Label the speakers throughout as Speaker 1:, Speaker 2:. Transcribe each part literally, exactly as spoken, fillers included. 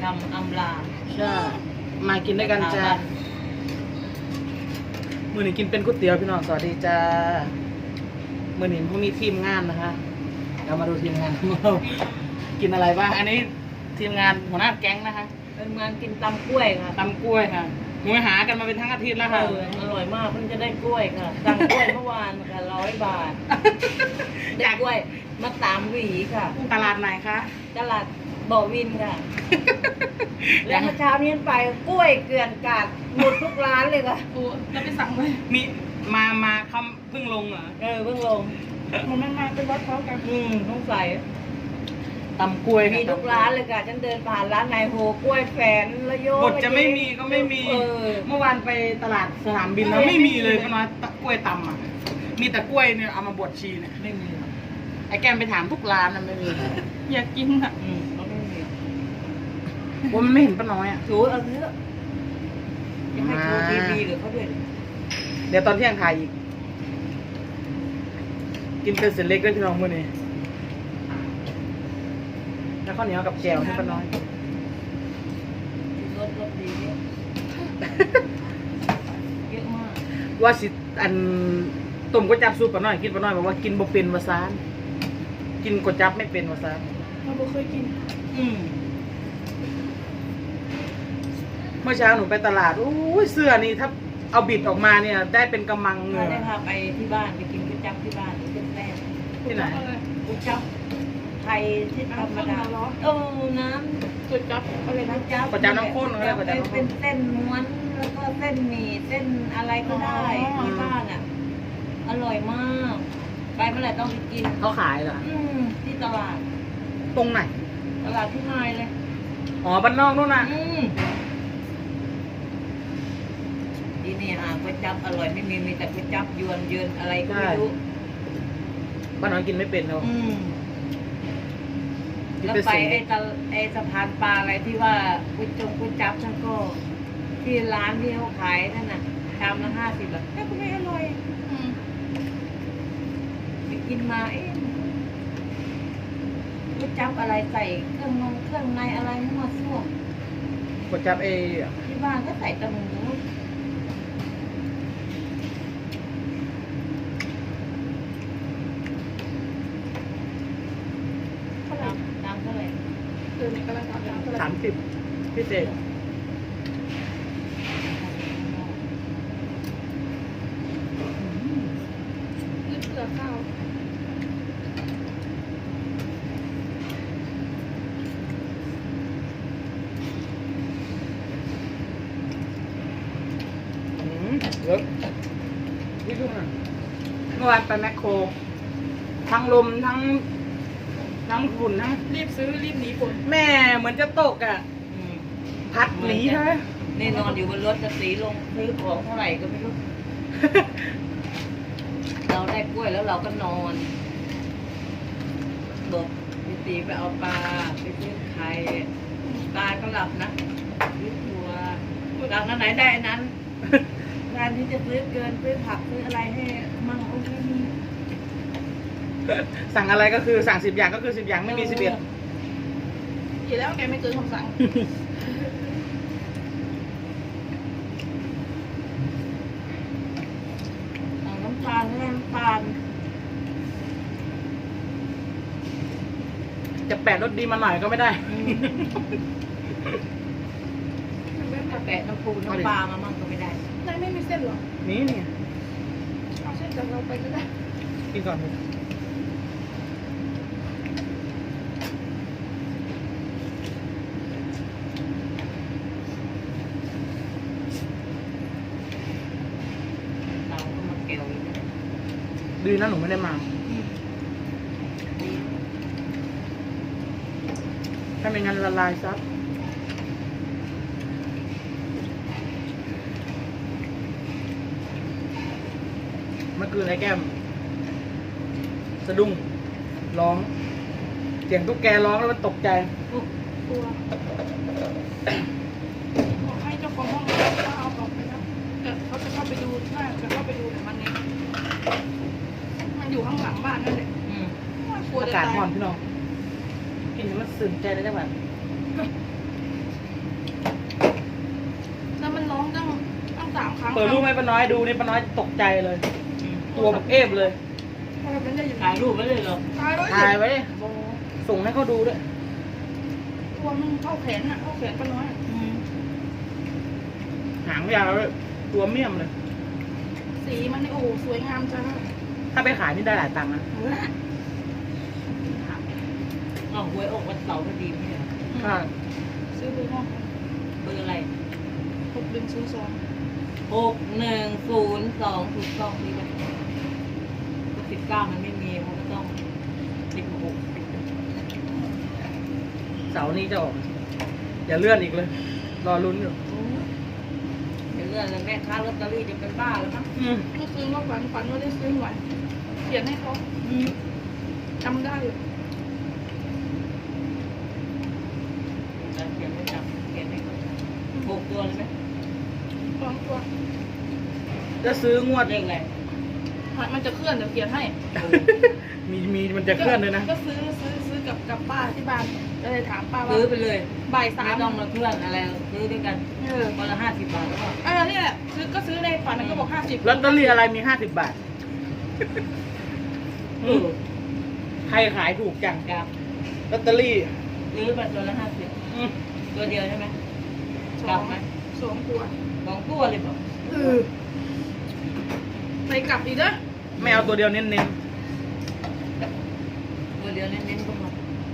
Speaker 1: ำอำลา
Speaker 2: ใช่มากินด้วยกันจ้ามื้อนี้กินเป็นก๋วยเตี๋ยวพี่น้องสวัสดีจ้ามื้อนี้พวกมีทีมงานนะคะเรามาดูทีมงานของเรากินอะไรบ้างอันนี้ทีมงานหัวหน้าแก๊งนะคะ
Speaker 1: เป็นงานกินตำกล้วยค่ะ
Speaker 2: ตำกล้วยค่ะหนูหากันมาเป็นทั้งอาทิตย์แล้วค่ะ
Speaker 1: เอออร่อยมากเพิ่งจะได้กล้วยค่ะสั่งกล้วยเมื่อวานค่ะร้อยบาทได้กล้วยมาตามหวีค่ะ
Speaker 2: ตลาดไหนคะ
Speaker 1: ตลาดบ่อวินค่ะ แล้วเมื่อเช้านี้ไปกล้วยเกลื่อนกาดหมดทุกร้านเลยค่ะ
Speaker 3: โอ้แล้วไปสั่งไหม
Speaker 2: มีมามาเขาเพิ่งลงเหรอ
Speaker 1: เออเพิ่งลง
Speaker 3: มันไม่มาเป็นวัดเขากัน
Speaker 1: อืมต้องใส่
Speaker 2: ตำกล้วย
Speaker 1: มีทุกร้านเลยค่ะฉันเดินผ่านร้านนายโฮกล้วยแฟนแล้วโย
Speaker 2: บทจะไม่มีก็ไม่มี
Speaker 1: เออ
Speaker 2: เมื่อวานไปตลาดสนามบินแล้วไม่มีเลยพี่น้อยตะกล้วยตำอ่ะมีแต่กล้วยเนี่ยเอามาบดชีเนี่ยไม่มีไอ้แกมไปถามทุกร้านนะไม่มี
Speaker 3: อยากกินอ่ะ
Speaker 1: อืมเขาไม่มี
Speaker 2: ว่ามันไม่เห็นป้าน้อยอ่ะ
Speaker 1: ถูเอาเถอะยังให้โชว์ทีวีหรือเขาด้วย
Speaker 2: เดี๋ยวตอนเที่ยงถ่ายอีก กินเป็นเส้นเล็กด้วยพี่น้องมื้อนี้แล้วข้าวเหนียวกับแจ่วให้ป้าน้อย
Speaker 1: รสรสดีเนี่ยเยอะมาก
Speaker 2: ว่าสิอันต้มก๋วยจั๊บซุปป้าน้อยกินป้าน้อยบอกว่ากินบ่เป็นว่าซานกินก๋วยจั๊บไม่เป็นว่าซาน
Speaker 3: เราไม่เคยกิน
Speaker 1: อืม
Speaker 2: เมื่อเช้าหนูไปตลาดอู้ยเสื้อนี่ถ้าเอาบิดออกมาเนี่ย ได้เป็นกำมังเล
Speaker 1: ถ้าย ได้พาไปที่บ้านไปกินก๋วยจั๊บที่บ้านเป็นแป้ง
Speaker 2: ที่ไหน
Speaker 1: ก๋วยจั๊บไทยที่ธรรมดาเออน้ำ
Speaker 3: ก๋วยจั๊บอะไรนะ
Speaker 1: น้ำจั๊บ
Speaker 2: ก๋วยจั๊บน้ำข้นอะไรก๋วยจั๊บน้ำข้น
Speaker 1: เป็นเส้นม้วนแล้วก็เส้นหมี่เส้นอะไรก็ได้ที่บ้านอ่ะ อร่อยมาก ไปเมื่อไหร่ต้องไปกิน
Speaker 2: เขาขายเหรอ
Speaker 1: อืมที่ตลาด
Speaker 2: ตรงไหน
Speaker 1: ตลาดที่ไฮเลย
Speaker 2: อ๋อบ้านนอกนู่นน่ะ
Speaker 1: อืมที่นี่หาก๋วยจั๊บอร่อยไม่มีมีแต่ก๋วยจั๊บยวนเยินอะไรก็ไม่รู้
Speaker 2: บ้านน้อยกินไม่เป็นเนาะ
Speaker 1: อืม
Speaker 2: กิน
Speaker 1: แล้ว
Speaker 2: เป็น
Speaker 1: ไป
Speaker 2: เส้น
Speaker 1: ไอ้ตะไอ้สะพานปลาอะไรที่ว่าก๋วยจงก๋วยจั๊บนั่นก็ที่ร้านที่เขาขายนั่นน่ะชามละห้าสิบอะแต่ก็ไม่อร่อย
Speaker 3: อืม
Speaker 1: ไปกินมาเอ๊ะก๋วยจั๊บอะไรใส่เครื่องนงเครื่องในอะไรมั่วซั่ว
Speaker 2: ก๋วยจั๊บเอ
Speaker 1: ที่บ้านก็ใส่แต่หมูเท่าไหร่ตามเท่าไหร่
Speaker 3: เออในกำลังทำน้ำอะไร
Speaker 2: สามสิบพิเศษ
Speaker 3: นี่เปลือกข้าว
Speaker 2: อืมเยอะนี่ดูนะเมื่อวานไปแมคโคร ทั้งลมทั้ง ทั้งฝุ่นทั้ง
Speaker 3: รีบซื้อรีบหนีฝน
Speaker 2: แม่เหมือนจะตกอ่ะ
Speaker 1: อืม
Speaker 2: พัดหนีใช่ไหม
Speaker 1: นี่นอนอยู่บนรถจะสีลงซื้อของเท่าไหร่ก็ไม่รู้ เราได้กล้วยแล้วเราก็นอนบอกพี่ตีไปเอาปลาไปซื้อไข่ปลาก็หลับนะซื้อถั่วหลังนั้นไหนได้อันนั้นงานที่จะซื้อเกินซื้อผักซื้ออะไรให้มั่งโอ้ยไม่มี
Speaker 2: สั่งอะไรก็คือสั่งสิบอย่างก็คือสิบอย่างไม่มีสิบเอ็ด
Speaker 3: อยู่แล้วแกไม่เกินคำสั่ง
Speaker 1: สั่งน้ำตาลไม่ได้น้ำตาล
Speaker 2: จะแปะรสดีมาหน่อยก็ไม่ได้
Speaker 1: อืมถ้าแปะน้ำปูน้ำปลามามั่งก็ไม่ได้
Speaker 3: นายไม่มีเส้นหรอ
Speaker 2: นี่นี่
Speaker 3: เอาเส้นจากเราไปก็ได้
Speaker 2: กินก่อนเลย
Speaker 1: เตาก็มาเกลียวอีกนะ
Speaker 2: ดีนะหนูไม่ได้มา
Speaker 1: ดี
Speaker 2: ถ้าไม่งั้นละลายซับเมื่อคืนไอ้แก้มสะดุ้งร้องเสียงตุ๊กแกร้องแล้วมันตกใจ
Speaker 1: อุ๊ย
Speaker 3: กลัวบอกให้เจ้าของห้องเขาเอาออกไปแล้วแต่เขาจะเข้าไปดูน่าจะเข้าไปดูแต่มันเนี่ยมันอยู่ข้างหลังบ้านนั่นแหละ
Speaker 1: อืม
Speaker 3: กลัว
Speaker 2: อา
Speaker 3: จะ
Speaker 2: กาศ
Speaker 3: ตาย
Speaker 2: ร้อนพี่น้องกินแล้วมันสื่นใจเลยจังหวะปิดรูปให้ป้าน้อยดูนี่ป้าน้อยตกใจเลย ตัวแบบเอฟเลย
Speaker 3: มันจะอยู่
Speaker 1: ถ่ายรูปไว้เลยเหรอ
Speaker 3: ตายแล้ว
Speaker 2: ถ่ายไว้ดิ
Speaker 3: โอ้
Speaker 2: ส่งให้เขาดูด้วย
Speaker 3: ตัวมันเข้าแขนอ่ะเข้าแขนป้าน้อย
Speaker 1: อืม
Speaker 2: หางยาวเลยตัวเมี่ยมเลย
Speaker 3: สีมันนี่โอ้โหสวยงามจัง
Speaker 2: ถ้าไปขายนี่ได้หลายตังค์นะ
Speaker 1: อ้าวหวยออกวันเสาร์พอดีเนี่ย
Speaker 2: ค่ะ
Speaker 3: ซื้อเบอร์ห้อง
Speaker 1: เบอร์อะไร
Speaker 3: หกหนึ่งศูนย์สอง
Speaker 1: หกหนึ่งศูนย์สองถูกต้องดีเลยสิบเก้ามันไม่มีมันก็ต้องสิบหก
Speaker 2: เสาร์นี้จะออกอย่าเลื่อนอีกเลย รอลุ้นอยู่
Speaker 1: เดี๋ยวเรื่องเลยแม่ค้าลอตเตอรี่จะเป็นบ้าแล้วมั้ง
Speaker 2: อืม
Speaker 3: เมื่อคืนก็ฝันฝันว่าได้ซื้อหวยเขียนให้เขาจำได้อยู่
Speaker 1: เขียนไม่จำเขียนให้เขาจำหกตัวเลยไหม
Speaker 3: สองตัว
Speaker 2: จะซื้องวด
Speaker 1: เลขอะไร
Speaker 3: มันจะเคลื่อนเดี๋ยวเขียนให้
Speaker 2: มีมีมันจะเคลื่อนเลยนะ
Speaker 3: ก็ซื้อซื้อซื้อกับกับป้าที่บ้านก็เลยถามป้าว่า
Speaker 1: ซื้อไปเลย
Speaker 3: บ่ายสา
Speaker 1: ไม่
Speaker 3: ม
Speaker 1: ต้องมาเพื่อนอะไรซื้อด้วยกัน
Speaker 3: เออ
Speaker 1: วันละห้าสิบบาทแล้วก็
Speaker 3: เออนี่แหละซื้อก็ซื้อในฝันก็บอกห้าสิบ
Speaker 2: ลอตเตอรี่อะไรมีห้าสิบบาท
Speaker 1: เออ
Speaker 2: ใครขายถูกจัง
Speaker 1: กับ
Speaker 2: ลอตเตอรี่
Speaker 1: ซื้อมาตัวละห้าสิบ
Speaker 2: อืม
Speaker 1: ตัวเดียวใช่ไหม
Speaker 3: ส
Speaker 1: กลั
Speaker 3: อบ ง
Speaker 1: ไหม
Speaker 3: สองตัว
Speaker 1: สองตัวเลยบอก
Speaker 3: เออไปกลับอีกนะ
Speaker 2: ไม่เอาตัวเดียวเน้น
Speaker 1: ตัวเดียวเน้นๆก็พอ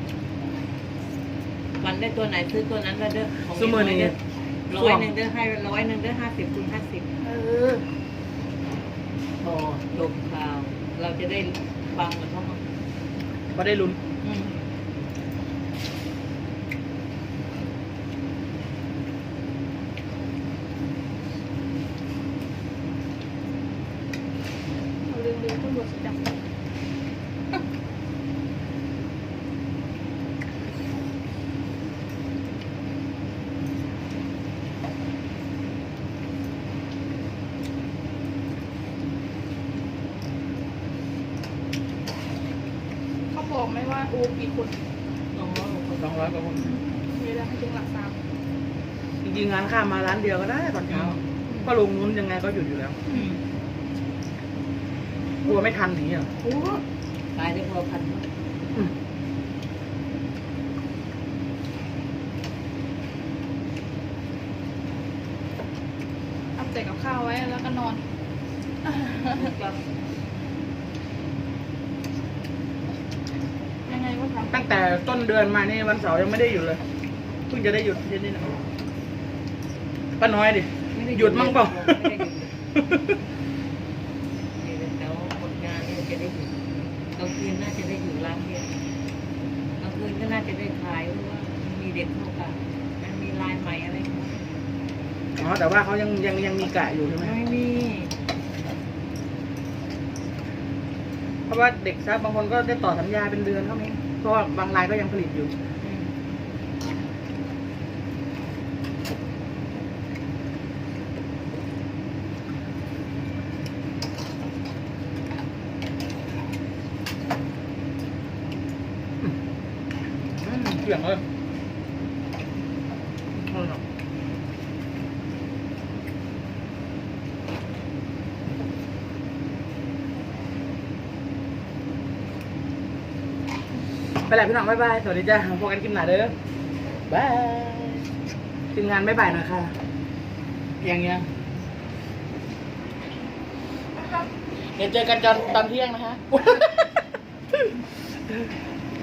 Speaker 1: วันได้ตัวไหนซื้อตัวนั้นแล้วเด้อของ
Speaker 2: ๆซูเมอร์นี่
Speaker 1: ร้อยหนึ่งเด้อให้ร้อยหนึ่งเด้อห้าสิบคูณห้าสิบ
Speaker 3: เออ
Speaker 1: พอจบข่าว เราจะได้ฟังเหมือนเขามั้ง
Speaker 2: ก็ได้ลุ้น
Speaker 1: อืม
Speaker 3: เอาเรื่องเรื่องตำรวจจับเขาบอกไหมว่าโอ้กี่คน
Speaker 1: สองร้อยกว่าคน
Speaker 2: สองร้อยกว่าคน
Speaker 3: มีแล้วให้ถึงหลักสาม
Speaker 2: จริงๆงานข้ามมาร้านเดียวก็ได้ตอนเช้า ก็ลงนู้นยังไงก็หยุดอยู่แล้ว
Speaker 1: อืม
Speaker 2: กลัวไม่ทันหนีอ่ะ
Speaker 3: โอ้
Speaker 1: ขายได้พอพันมั้ง
Speaker 2: อืม
Speaker 3: ทำแต่กับข้าวไว้แล้วก็นอน
Speaker 1: ก็
Speaker 3: ยังไงก็ทำ
Speaker 2: ตั้งแต่ต้นเดือนมานี่วันเสาร์ยังไม่ได้หยุดเลยเพิ่งจะได้หยุดที่นี่นะป้าน้อยดิ
Speaker 1: ไม่ไ
Speaker 2: หยุดมั่งเปล่า
Speaker 1: ไม่ได้หยุดเลยแต่ว่าผลงานนี่จะได้หยุดกลางคืนน่าจะได้อยู่ร้านเดียวกลางคืนก็น่าจะได้ขายเพราะว่ามันมีเด็กเข้ากันมันมีลายใหม่อะไรเข้ามา
Speaker 2: อ๋อแต่ว่าเขายังยังยังมีกะอยู่ใช่ไหม
Speaker 1: ไม่มี
Speaker 2: เพราะว่าเด็กซับบางคนก็ได้ต่อสัญญาเป็นเดือนก็มีเพราะว่าบางรายก็ยังผลิตอยู่
Speaker 1: อืม
Speaker 2: อืมเกี่ยงเลยอร่อยเนอะไปแล้วพี่น้องบ๊ายบาย สวัสดีจ้าพบกันคลิปหน้าเด้อบายทีมงานบ๊ายบายหน่อยค่ะยังยังเดี๋ยวเจอกันตอนตอนเที่ยงนะคะ